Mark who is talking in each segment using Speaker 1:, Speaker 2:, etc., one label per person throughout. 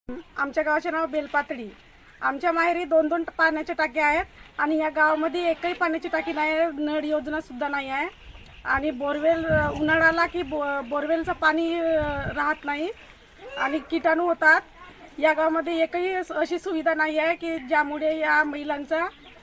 Speaker 1: आमच्या गावाचे नाव बेलपातळी. आमच्या माहेरी 2-2 पाण्याच्या टाक्या आहेत आणि या गावामध्ये एकही पाण्याची टाकी नाही आहे. नळ योजना सुद्धा नाही आहे आणि बोरवेल उन्हाळ्याला की बोरवेलचं पाणी राहत नाही आणि कीटाणू होतात. या गावामध्ये एकही अशी सुविधा नाही आहे की ज्यामुळे या महिलांचा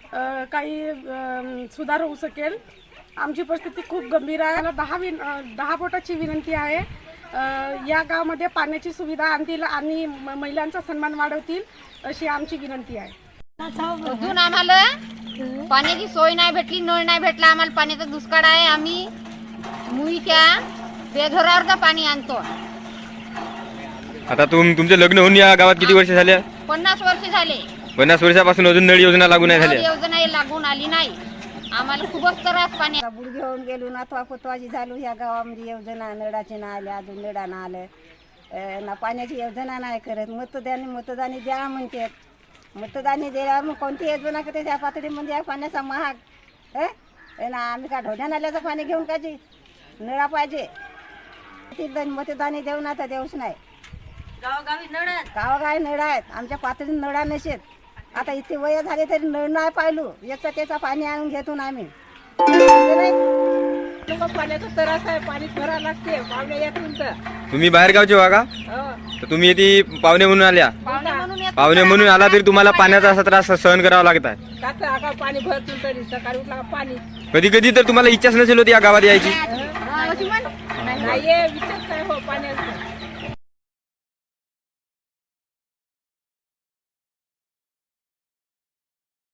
Speaker 1: काही सुधार होऊ शकेल. आमची परिस्थिती खूप गंभीर आहे. मला 10 बोटाची विनंती आहे. या गावामध्ये पाण्याची सुविधा आणतील आणि महिलांचा सन्मान वाढवतील अशी आमची विनंती आहे.
Speaker 2: अजून आम्हाला पाण्याची सोय नाही भेटली, नळ नाही भेटला. आम्हाला पाण्याचा दुष्काळ आहे. आम्ही मुईच्या बेघरावरचं पाणी आणतो.
Speaker 3: आता तुमचं लग्न होऊन या गावात किती वर्ष झाले?
Speaker 2: 50 वर्ष झाले.
Speaker 3: 50 वर्षापासून अजून नळ योजना लागू नाही झाली.
Speaker 2: योजना लागून आली नाही. आम्हाला खूपच त्रास पाणी.
Speaker 4: बुड घेऊन गेलो ना पोतवाजी झालो. ह्या गावामध्ये योजना नळाचे ना आले, अजून नळा ना आलं ना, पाण्याची योजना नाही करत. मतदानी द्या म्हणतात. मतदानी द्या मग कोणती योजना करते त्या पातळीमध्ये पाण्याचा महाग ना. आम्ही का ढोण्या नाल्याचं पाणी घेऊन काची नळा पाहिजे. मतदानी देऊ ना तर देऊच नाही. गावोगावी नळ आहेत. आमच्या पातळीत नळा नसेत. आता इतके वय झाले तरी नळ नाही पाहिलो. याचा त्याचा पाणी आणून घेतो ना आम्ही.
Speaker 1: पाण्याचा त्रास आहे. पाणी भरावं लागते पाहुणे येतील तर.
Speaker 3: तुम्ही बाहेर गावचे व्हा का? तर तुम्ही इथे पाहुणे म्हणून आल्या. पाहुणे म्हणून आला तरी तुम्हाला पाण्याचा असा त्रास सहन करावा लागत आहे.
Speaker 1: पाणी भरतून तरी सकाळी उठला पाणी.
Speaker 3: कधी कधी तर तुम्हाला इच्छाच नसेल होती या गावात यायची.
Speaker 1: नाही विचारच आहे हो पाण्याचा.